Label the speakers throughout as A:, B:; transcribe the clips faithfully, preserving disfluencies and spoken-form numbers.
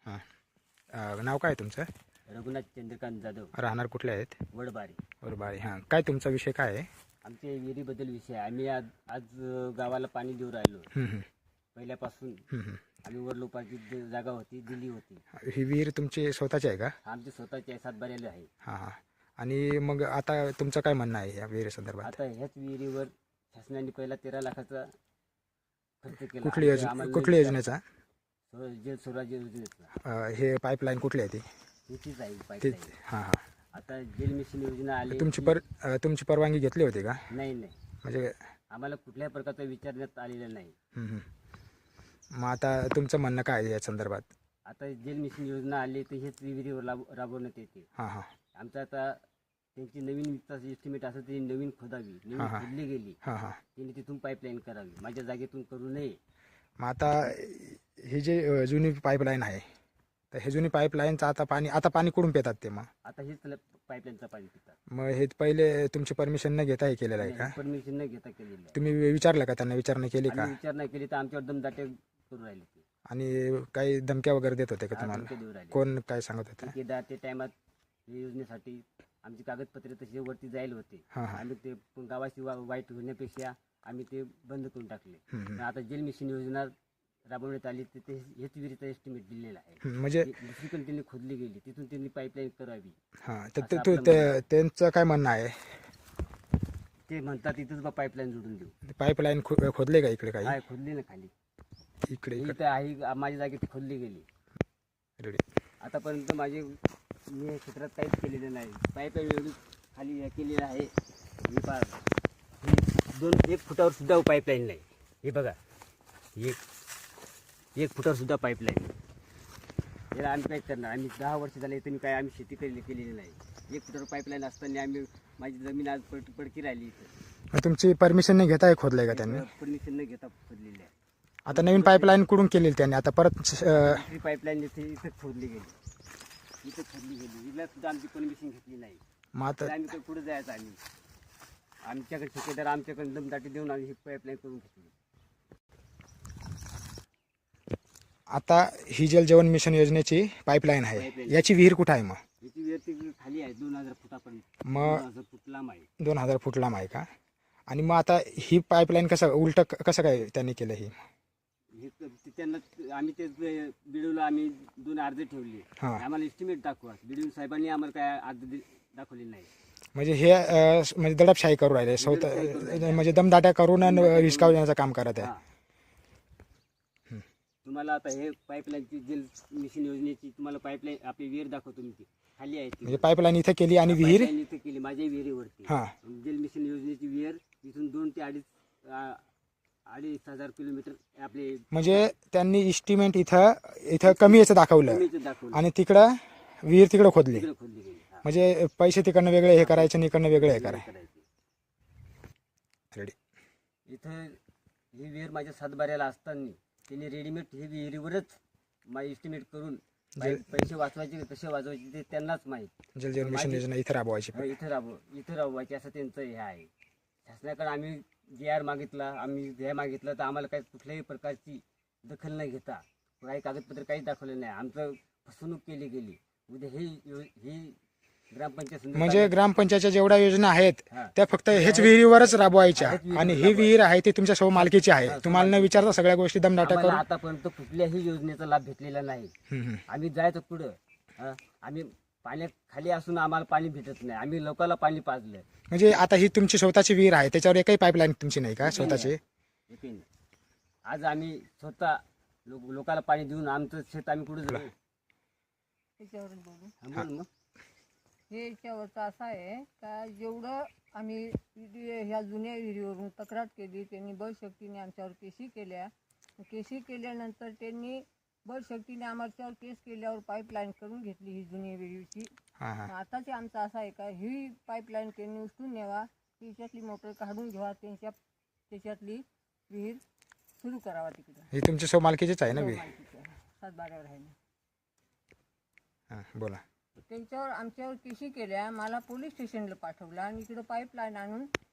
A: हां. अ, नाव काय तुमचं?
B: रघुनाथ चंद्रकांत जाधव,
A: राहणार कुठले आहेत?
B: वडबारी.
A: वरबारी. हां, काय तुमचा विषय काय आहे?
B: आमच्या विहिरीबद्दल विषय आहे. आम्ही आज आज अ, गावाला पाणी देऊ राहिलो.
A: हं, हं,
B: पहिल्यापासून
A: हं, हं.
B: आम्ही वडलोपाची ज- जागा होती, दिली होती.
A: ही विहीर तुमची स्वतःची आहे का?
B: आमची स्वतःची आहे, सातबाऱ्याला आहे.
A: हां हां. आणि मग आता तुमचं काय म्हणणं आहे या विहिरीसंदर्भात?
B: आता ह्याच विहिरीवर शासनाने पहिला तेरा लाखाचा खर्च केला.
A: कुठली
B: आणि
A: योजना
B: आम्हाला
A: कुठल्या योजनेचा?
B: स्व- जल स्वराज्य योजनेचा
A: अ, हे पाईपलाईन कुठली आहे ती?
B: हीच आहे
A: ती
B: पाईपलाईन.
A: हां हां.
B: आता जल मिशन योजना आली.
A: तुमची पर अ, तुमची परवानगी घेतली होती का?
B: नाही नाही,
A: म्हणजे
B: आम्हाला कुठल्याही प्रकारचा विचारण्यात आलेला नाही.
A: हं, हं. मग आता तुमचं म्हणणं काय आहे या संदर्भात?
B: आता जल मिशन योजना आली तर हेच विहिरीवर राब- राबवण्यात येते.
A: हां हां
B: आमचं आता त्यांची नवीन वित्ताची एस्टिमेट असं ती नवीन खोदावी, नवीन
A: हा, हा.
B: खोदली गेली,
A: हां हां.
B: त्यांनी तिथून पाईपलाईन करावी, माझ्या जागेतून करू नये.
A: मग आता ही जी अ, जुनी पाईपलाईन आहे, तर हे जुनी पाईपलाईनचं आता पाणी आता पाणी कुठून पितात ते? मग
B: आता हेच पाईपलाईनचं पाणी पितात.
A: मग हे पहिले तुमची परमिशन न घेता हे केलेलं आहे का?
B: परमिशन न घेता केलेलं आहे.
A: तुम्ही विचारलं का, त्यांना विचारणा केली का?
B: आम्ही विचार नाही केली तर आमच्यावर दमदाटे करू राहिले ते.
A: आणि काही धमक्या वगैरे देत होते का
B: हा,
A: तुम्हाला?
B: धमक्या देऊ राहिले.
A: कोण काय सांगत होतं?
B: ठेकेदार ते टायमात या योजनेसाठी आमची कागदपत्रे तशी वरती जायला होते.
A: हां हां.
B: आम्ही ते गावाची वा- वाईट होण्यापेक्षा आम्ही ते बंद करून टाकले.
A: हं, हं.
B: पण आता जल मिशन योजना राबवण्यात आली तर ते हेच विहिरीचा एस्टिमेट दिलेला आहे.
A: हं, म्हणजे
B: दुसरीकडे त्यांनी खोदली गेली, तिथून त्यांनी पाईपलाईन करावी.
A: हां, तर
B: असं
A: ते-
B: आपलं
A: तू ते- त्यांचं काय म्हणणं आहे?
B: ते म्हणतात इथंच बा पाईपलाईन जोडून देऊ.
A: पाईपलाईन खो खोदले का इकडे काही?
B: काय खोदली ना खाली,
A: इकडे
B: ही
A: इकडे
B: तर आहे माझ्या जागेत खोदली गेली.
A: रेडी.
B: आतापर्यंत माझे मी या क्षेत्रात काहीच केलेलं नाही. पाईपलाईन एवढी खाली हे केलेलं आहे. ही पहा, ही दोन एक फुटावर सुद्धा पाईपलाईन नाही. हे बघा, एक एक फुटावर सुद्धा पाईपलाईन. याला आम्ही काय करणार? आम्ही दहा वर्ष झाले इथं काय आम्ही शेती केली केलेली नाही. एक फुटावर पाईपलाईन असताना आम्ही माझी जमीन आज पड पडकी राहिली इथं.
A: मग तुमची परमिशन नाही घेता हे खोदलंय का त्यांनी?
B: परमिशन न घेता खोदलेली आहे.
A: आता नवीन पाईपलाईन कुठून केली त्यांनी? आता परत अ,
B: दुसरी पाईपलाईन इथे इथं खोदली गेली, इथं खोदली गेली. हिला सुद्धा आमची परमिशन घेतली नाही.
A: मग
B: तर
A: आता
B: आम्ही काही पुढे जायचं आम्ही आमच्याकडे ठेकेदार आमच्याकडे दमदाटी देऊन आम्ही ही पाईपलाईन करून घेतली.
A: आता ही जल जीवन मिशन योजनेची पाईपलाईन आहे,
B: पाईपलाईन.
A: याची विहीर कुठं आहे? मग
B: याची विहीर ती खाली आहे, दोन हजार फुटापर्यंत,
A: मग-
B: दोन हजार फूट लांब आहे.
A: दोन हजार फूट लांब आहे का? आणि मग आता ही पाईपलाईन कसं उलट कसं काय त्यांनी केलं? ही
B: हे क- ते त्यांना आम्ही ते बिडूला आम्ही दोन अर्ज ठेवले.
A: हां.
B: आम्हाला एस्टिमेट दाखवा. बिडून साहेबांनी आम्हाला काय अर्ज दि- दाखवले नाही.
A: म्हणजे हे अ, म्हणजे दडपशाही करू राहिले स्वतः,
B: दडपशाही करू राहिले.
A: म्हणजे दमदाट्या करून आणि हिसकाव देण्याचं काम करत आहे.
B: हा. तुम्हाला आता हे पाईपलाईनची जल मिशन योजनेची तुम्हाला पाईपलाईन आपली विहीर दाखवतो मी, ती खाली आहे ती.
A: म्हणजे पाईपलाईन इथं केली आणि विहीर
B: पाईपलाईन इथं केली माझ्या विहिरीवरती.
A: हां.
B: जल मिशन योजनेची विहीर इथून दोन ते अडीच आ, अडीच हजार किलोमीटर आपले
A: म्हणजे त्यांनी इस्टिमेट इथं इथं कमी याचं दाखवलं
B: जमिनीचं दाखवलं.
A: आणि तिकडं विहीर तिकडं खोदली.
B: तिकडे खोदली गेली. हा.
A: म्हणजे पैसे तिकडनं वेगळे हे करायचे आणि इकडनं वेगळे हे करायचे.
B: करायची.
A: रेडी.
B: इथं ही विहीर माझ्या सातबाऱ्याला असताना त्यांनी रेडीमेड ही विहिरीवरच माझी एस्टिमेट करून पै- पैसे वाचवायचे कसे वाचवायचे ते त्यांनाच माहीत.
A: जल जीवन मिशन योजना इथं राबवायची.
B: हा, इथं राबव इथं राबवायचे असं त्यांचं हे आहे. शासनाकडे आम्ही जे आर मागितला, आम्ही हे मागितलं तर आम्हाला काही कुठल्याही प्रकारची दखल न घेता काही कागदपत्र काहीच दाखवलं नाही. आमचं फसवणूक केली गेली. उद्या ही यो- ही ग्रामपंचायत संदर्भात-
A: म्हणजे ग्रामपंचायतच्या जेवढ्या योजना आहेत
B: हा.
A: त्या फक्त हेच विहिरीवरच राबवायच्या
B: हेच विहिरीवर
A: आणि ही
B: राबवायच्या.
A: विहीर आहे ती तुमच्या सौ मालकीची आहे. तुम्हाला न विचारता सगळ्या गोष्टी दमदाट्या
B: आम्हाला
A: करून
B: आतापर्यंत कुठल्याही योजनेचा लाभ भेटलेला नाही.
A: हम्म, हम्म.
B: आम्ही जायचं पुढं, हा, आम्ही पाण्यात खाली असून आम्हाला पाणी भेटत नाही. आम्ही लोकांना पाणी पाजलं.
A: म्हणजे आता ही तुमची स्वतःची विहीर आहे, त्याच्यावर एकही पाईपलाईन तुमची नाही का स्वतःची?
B: एकही नाही. आज आम्ही स्वतः लोक लोकांना पाणी देऊन आमचं शेत आम्ही कुठं जाऊ?
C: त्याच्यावरून बोलू.
B: हा, बोल मग.
C: हे याच्यावरचं असं आहे का जेवढं आम्ही विहिरी- ह्या जुन्या विहिरीवरून तक्रार केली, त्यांनी बळशक्तीने आमच्यावर केसी केल्या. केसी केल्यानंतर त्यांनी बळशक्तीने आमच्यावर केस केल्यावर पाईपलाईन करून घेतली ही जुनी विहिरीची.
A: हां हां.
C: आताचे आमचं असं आहे का ही पाईपलाईन त्यांनी उचलून न्यावा, त्याच्यातली मोटर काढून घ्यावा, त्यांच्या त्याच्यातली विहीर सुरू करावा तिकडं.
A: ही तुमची सौ मालकीचीच आहे ना विहीर?
C: सातबाऱ्यावर आहे ना.
A: हां, बोला.
C: त्यांच्यावर आमच्यावर केसी केल्या, मला पोलीस स्टेशनला पाठवलं आणि इकडं पाईपलाईन आणून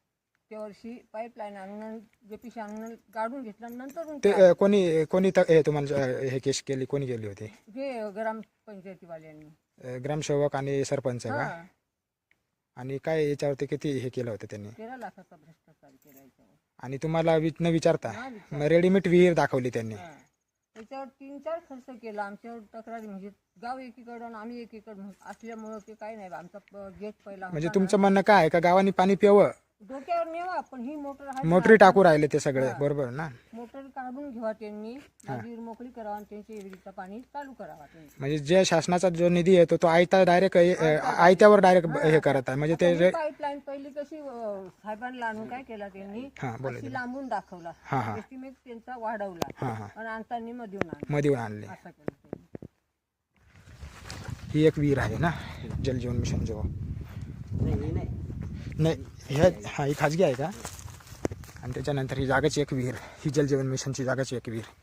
C: त्या वर्षी पाईपलाईन आणून जेपीसी आणून गाडून घेतलं नंतर
A: ते अ, कोणी कोणी त- हे तुम्हाला अ, हे केस केली कोणी केली होती?
C: जे ग्रामपंचायतीवाल्यांनी
A: अ, ग्रामसेवक आणि सरपंच का?
C: हा
A: आणि काय याच्यावरती किती हे केलं होतं त्यांनी?
C: तेरा लाखाचा भ्रष्टाचार केला याच्यावर.
A: आणि तुम्हाला वि- न विचारता
C: हा, विचार.
A: मग रेडीमेड विहीर दाखवली त्यांनी?
C: हा. त्याच्यावर तीन चार खर्च केला आमच्यावर तक्रारी म्हणजे गाव एकीकडं आणि आम्ही एकीकडं म्हण- असल्यामुळं ते काही नाही आमचा गेट पहिला
A: म्हणजे
C: होता
A: तुमचं
C: ना.
A: म्हणणं काय आहे का गावाने पाणी प्यावं
C: डोक्यावर नेवा पण ही मोटर आहे
A: मोटरी
C: ना,
A: टाकू राहिले ते सगळे,
C: हा.
A: बरोबर ना?
C: मोटर काढून घ्यावा त्यांनी माझी विहीर मोकळी करावा आणि त्यांच्या विहिरीचं पाणी चालू करावा त्यांनी.
A: म्हणजे जे शासनाचा जो निधी येतो तो आयता डायरेक्ट आयत्यावर डायरेक्ट हे करत आहे म्हणजे ते रे-
C: पाईपलाईन पहिली कशी अं, साहेबांना आणून काय केला त्यांनी
A: हा बोला
C: अशी लांबून दाखवला
A: हा हा
C: एस्टिमेट त्यांचा वाढवला
A: हा हा
C: आणि आणताना मधून आणला
A: मध्ये येऊन आणले.
C: असं केलं त्यांनी.
A: ही एक विहीर आहे ना जलजीवन मिशन जो?
B: नाही हे नाही
A: नाही ह्या हा ही खाजगी आहे का? आणि त्याच्यानंतर ही जागाची एक विहीर, ही जलजीवन मिशनची जागाची एक विहीर.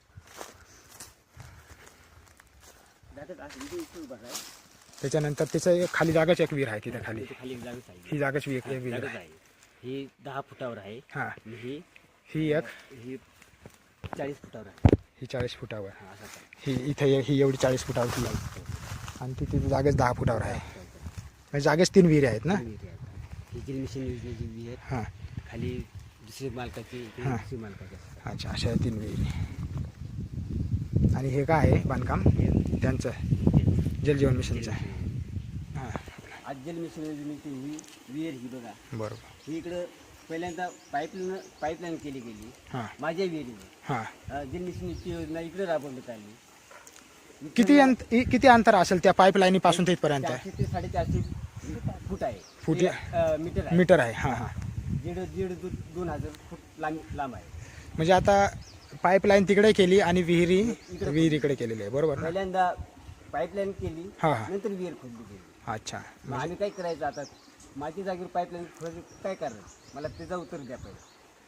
B: जातात असं इथे इथे उभा आहे
A: त्याच्यानंतर त्याचं एक खाली जागाची एक विहीर आहे तिथे खाली.
B: इथे खाली एक जागाच आहे
A: ही जागाची एक एक विहीर
B: जागाच
A: आहे.
B: आहे ही दहा फुटावर आहे
A: हा
B: आणि ही
A: ही एक
B: ही चाळीस फुटावर आहे
A: ही चाळीस फुटावर,
B: हा असं आहे.
A: ही इथे एक- ही एवढी चाळीस फुटावर ही आहे. आणि तिथे जागेच दहा फुटावर आहे. म्हणजे जागेच तीन विहिरी आहेत ना?
B: विहीर आहे. ही जल मिशन योजनेची विहीर
A: हां
B: खाली दुसरी मालकाची इकडे
A: हा.
B: दुसरी मालकाची असते.
A: अच्छा अशा तीन विहिरी. आणि हे काय आहे बांधकाम त्यांचं जलजीवन मिशनचं? हां
B: आज जल मिशन योजनेची ही विहीर ही बघा
A: बरोबर.
B: ही इकडं पहिल्यांदा पाईपलाईन पाईपलाईन केली गेली
A: हां
B: माझ्या विहिरीने
A: हां
B: अं, जल मिशनची योजना इकडे राबवण्यात आली.
A: किती अंत इ- किती अंतर असेल त्या पाईपलाईनी पासून तिथपर्यंत?
B: चारशे ते साडेचारशे फूट आहे
A: फूट
B: ते, अं, मीटर आहे
A: मीटर आहे. हां हां
B: दीड दीड दो- दोन हजार फूट लांब लांब आहे.
A: म्हणजे आता पाईपलाईन तिकडे केली आणि विहिरी विहिरीकडे केलेली आहे, बरोबर ना?
B: पहिल्यांदा पाईपलाईन केली
A: हां हां
B: नंतर विहीर खोदली गेली.
A: अच्छा.
B: मग आम्ही काय करायचं आता माझ्या जागेवर पाईपलाईन खोदायचं काय करायचं मला त्याचं उत्तर द्या पाहिजे.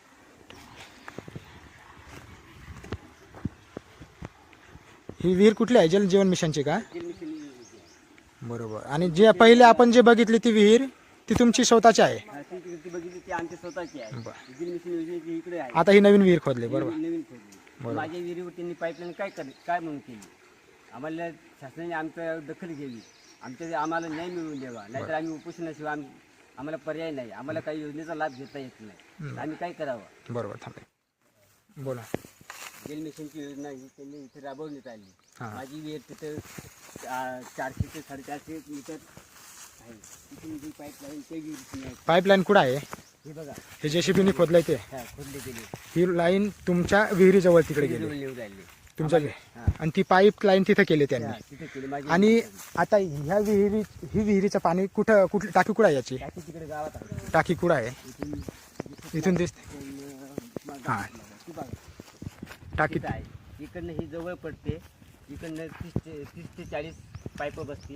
A: ही विहीर कुठली आहे? जलजीवन मिशनची का?
B: जल मिशन योजनेची आहे.
A: बरोबर. आणि जे पहिले आपण जे बघितली ती विहीर ती तुमची स्वतःची आहे?
B: हा, ती ती- ती बघितली ती आमची स्वतःची आहे.
A: बरं.
B: जल मिशन योजनेची इकडे आहे
A: आता ही नवीन विहीर खोदली, बरोबर?
B: नवीन नवीन खोदली.
A: बरोबर.
B: माझ्या विहिरीवर त्यांनी पाईपलाईन काय कर काय म्हणून केली आम्हाला शासनाने आमच्या दखल घ्यावी आमच्या आम्हाला न्याय मिळवून द्यावा नाहीतर आम्ही उपोषणाशिवाय आम आम्हाला पर्याय नाही आम्हाला काही योजनेचा लाभ घेता येत नाही आम्ही काय करावं.
A: बरोबर. थांबे बोला.
B: जल मिशनची योजना ही त्यांनी इथे राबवण्यात आली.
A: हां.
B: माझी विहीर तिथं आ, चारशे ते साडेचारशे मीटर आहे तिथून जी पाईपलाईन ते विहिरीची आहे.
A: पाईपलाईन कुठं आहे?
B: हे बघा
A: हे जेसीबीने खोदलंय ते?
B: हा खोदले गेले
A: ही लाईन तुमच्या विहिरीजवळ तिकडे गेली
B: विहिरीजवळ येऊन राहिले
A: तुमच्या
B: हा.
A: आणि ती पाईप लाईन तिथे केली त्यांनी.
B: हा, तिथे केली माझी
A: आणि आता ह्या विहिरी ही विहिरीचं पाणी कुठं कुठली टाकी कुठं आहे याची?
B: टाकी तिकडे गावात आहे
A: टाकी कुठं आहे?
B: इथून
A: इथून दिसते
B: इथून, अं,
A: हां.
B: ती बघा
A: टाकी.
B: तिथं आहे इकडनं ही जवळ पडते इकडनं तीस ते तीस ते चाळीस पाईप बसतील.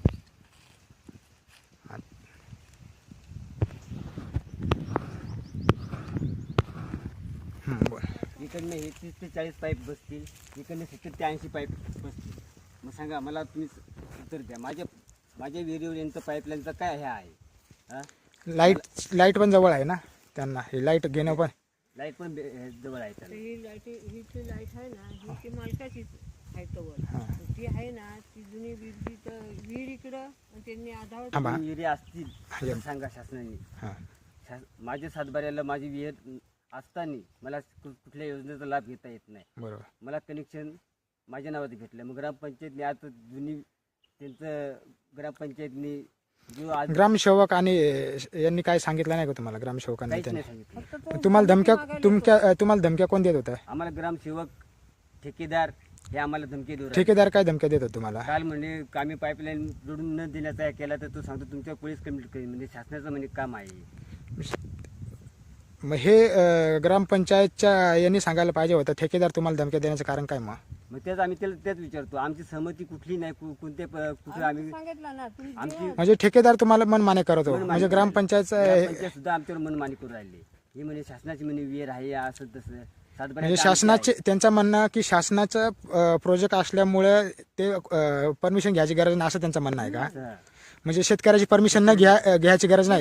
A: हं, बोल.
B: इकडनं हे तीस ते चाळीस पाईप बसतील इकडनं सत्तर ते ऐंशी पाईप बसतील. मग सांगा मला तुम्ही उत्तर द्या माझ्या माझ्या विहिरीवर यांचं पाईपलाईनचं काय हे आहे हां
A: लाईट लाईट पण जवळ आहे ना त्यांना? हे लाईट घेणं पण
B: लाईट पण बे- हे जवळ आहे
C: तर
B: त्याला.
C: ही लाईट ही जी लाईट आहे ना ही ती मालकाचीच आहे तवर
A: हां.
C: ती आहे ना ती जुनी विहीर तर विहीर इकडं आणि त्यांनी आधार
A: थांबा.
B: विहिरी असतील
A: हा.
B: तर सांगा शासनाने.
A: हां
B: शास माझ्या सातबाऱ्याला माझी विहीर असताना मला कु- कुठल्या योजनेचा लाभ घेता येत नाही.
A: बरोबर.
B: मला कनेक्शन माझ्या नावात घेतलं मग ग्रामपंचायतने आता जुनी त्यांचं ग्रामपंचायतने जो आज
A: ग्रामसेवक आणि यांनी काय सांगितलं नाही का तुम्हाला? ग्रामसेवकांनी
B: काहीच
A: त्यांनी
B: नाही सांगितलं.
C: फक्त तो
A: तुम्हाला धमक्या
C: मागायला
A: तुमच्या तुम्हाला धमक्या कोण देत होतं?
B: आम्हाला ग्रामसेवक ठेकेदार हे आम्हाला धमकी देऊ राहिले.
A: ठेकेदार काय धमक्या देत होते तुम्हाला?
B: काल म्हणे आम्ही पाईपलाईन जोडून न देण्याचा हे केला तर तो सांगतो तुमच्या पोलीस कंप्लीट करेल म्हणजे शासनाचं म्हणजे काम आहे.
A: मग हे अं, ग्रामपंचायतच्या यांनी सांगायला पाहिजे होतं. ठेकेदार तुम्हाला धमक्या देण्याचं कारण काय मग?
B: मग तेच आम्ही त्याला तेच विचारतो आमची सहमती कुठली नाही कु- कोणते प- कुठे आम्ही
C: सांगितलं ना तुम्ही
B: आमची
A: म्हणजे ठेकेदार तुम्हाला मनमाने करत होतो
B: मनमानी
A: म्हणजे
B: करू
A: ग्रामपंचायत
B: राहिले. ग्रामपंचायत सुद्धा आमच्यावर मनमानी करू राहिले. ही म्हणे शासनाची म्हणे विहीर आहे असं तसं सातबाऱ्याचं
A: म्हणजे
B: आमची
A: शासनाचे
B: आहे.
A: त्यांचं म्हणणं की शासनाचं प्रोजेक्ट असल्यामुळे ते परमिशन घ्यायची गरज नाही असं त्यांचं म्हणणं आहे का?
B: असं.
A: म्हणजे शेतकऱ्याची परमिशन न घ्या घ्यायची गरज नाही?
C: घेतलीच नाही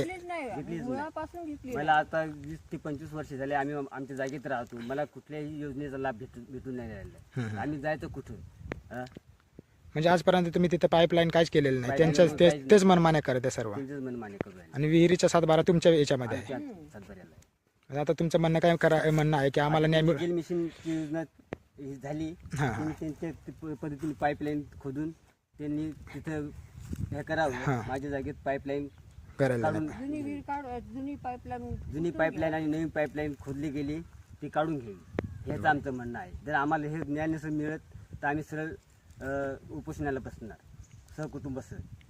B: घेतलीच नाही.
C: मुळापासून घेतली
B: मला आता वीस ते पंचवीस वर्ष झाले आम्ही आमच्या जागेत राहतो. मला कुठल्याही योजनेचा लाभ भेटून भेटून नाही राहिला. आम्ही जायचं कुठून? हा?
A: म्हणजे आजपर्यंत तुम्ही तिथे पाईपलाईन काहीच केलेलं नाही,
B: Pipeline
A: त्यांच्याच
B: काहीच
A: तेच
B: नाही.
A: तेच मनमान्य करत आहे सर्व.
B: त्यांचंच मनमान्य करू राहिले.
A: आणि विहिरीचा सातबारा तुमच्या याच्यामध्ये आहे.
B: आमच्या सातबाऱ्याला आहे.
A: आता तुमचं म्हणणं काय करा म्हणणं आहे की आम्हाला न्याय मिळ
B: ड्रिल मशीनची योजना ही झाली.
A: हा, हा.
B: त्यांनी त्यांच्या ते प- पद्धतीने पाईपलाईन खोदून त्यांनी तिथं हे करावं.
A: हा.
B: माझ्या जागेत पाईपलाईन
A: करायला
B: काढून
C: जुनी विहीर काढ जुनी पाईपलाईन
B: जुनी पाईपलाईन आणि नवीन पाईपलाईन खोदली गेली ती काढून घ्यावी हेच आमचं म्हणणं आहे. जर आम्हाला हे ज्ञान नसेल मिळत तर आम्ही सरळ अ, उपोषणाला बसणार सहकुटुंब सह.